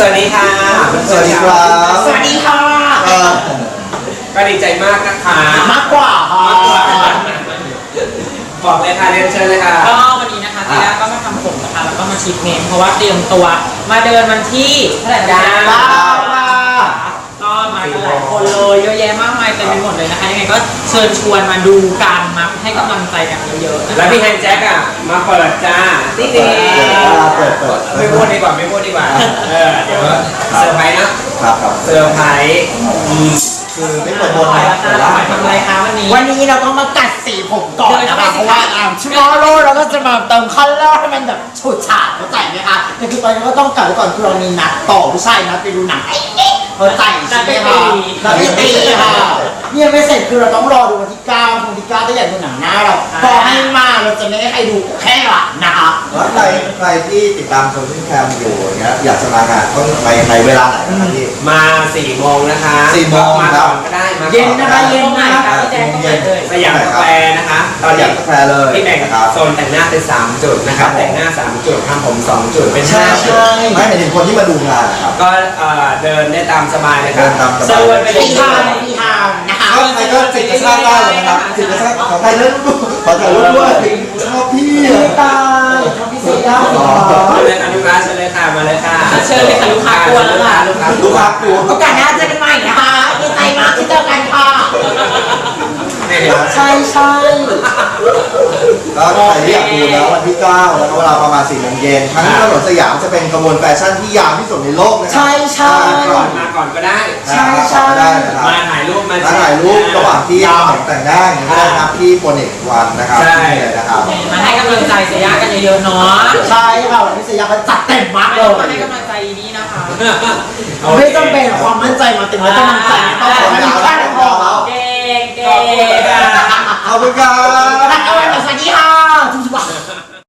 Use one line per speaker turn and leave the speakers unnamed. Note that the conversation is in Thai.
วัสดีค่ะ
สวัสดีครับ
สวัสดีค่ะ
ก็ดีใจมากนะคะ
มากกว่า
บอกเลยค่ะเรียนเชิญเลยค่ะ
ก็วันนี้นะคะทีแรกก็มาทำผมนะคะแล้วก็มาทรีทเมนต์เพราะว่าเตรียมตัวมาเดินวันที่เท่าไหร่นะก็มากันหลายคนเลยเยอะแยะมากมายเต็มไปหมดเลยนะคะยังไงก็เชิญชวนมาดูกันมาให้กำลังใจกันเยอะๆ
แล้วพี่แฮนแจ็คอ่ะมาเปิดจ้าติ๊ดไม่พูดดีกว่าเดี๋ยวเซอร์ไพรส์นะครับเซอร์ไพรส์
คือไม่เปิดบนนะ
ทำอะไรคะวันนี้
เราก็มากัดสีผมก่อนนะคะเพราะว่าชั่วโมงโลเราก็จะมาเติมคัลเลอร์ให้มันแบบฉูดฉาดเข้าใจไหมคะแต่คือตอนนี้ก็ต้องกัดไว้ก่อนคือเรามีนัดต่อผู้ชายนัดไปดูหนังเข้าใจใช่ไหมคะนัดไปตีค่ะเนี่ยไม่เสร็จคือเราต้องรอดูวันที่9ถ้าอยากดูหนังหน้าเราพอให้มาเราจะไม่ให้ใครดูแค่หลังนะคะ
แล้วใครที่ติดตามโซเชียลแคมอยู่อย่างเงี้ยอยากจะมางานต้องไปในเวลาไหนนะครับพี่
มา4 โมงนะคะ
4 โมง
มาก่อนก็ได้มา
เย็นนะคะเย็นนะ
สยามกาแฟนะคะตอนนี้
กาแฟเลย
ที่แบ่งโซนแต่งหน้าเป็น3 จุดนะครับแต่งหน้า3 จุดทำผม2 จุดเป็น5 จุด
ไม่หมายถึงคนที่มาดูงานนะครับ
ก็เดินได้ตามสบายเลยครับ
เซิร์
ฟไปที่ทางนะคะ
ใครก็จิตกระชากได้เลยนะครับจิตกระชากของใครเล่นขอถ่ายรูปด้วยชอบพี่
ตายชอบพี่เสีย
เชิญอนุรักษ์เชิญเลยค่ะมาเลยค่ะ
เชิญเลยค่ะลูกค้ากลัวแล้วค่ะ
ลูกค้ากลัว
โอกาสหน้าเจอกันใหม่นะคะดีใจมากที่เจอกันค่ะใช่
ก็ใครที่อยากดูแล้ววันที่9แล้วก็เวลาประมาณ4 โมงเย็นทั้งถนนสยามจะเป็นขบวนแฟชั่นที่ยาวที่สุดในโลกนะครับ
มาก่อนก็ได้มาถ่ายรูป
ระหว่างที่ผมแต่งหน้าอย่างนี้ได้ครับที่โปรเนกวันนะครับ
ใช่
นะครับ
มาให้กำลังใจเสียกันเยอะๆเนาะ
ใช่ค่ะวันนี้เสียกันจัดเต็มมากเลย
มาให้กำลังใจดีนะคะ
ไม่จำเป็นความมั่นใจมาเต็มแล้วกำลังใจต้องขอให้แค่พอ
เก่ง
ขอบคุณครับ
สวัสดีค่ะทุกท่าน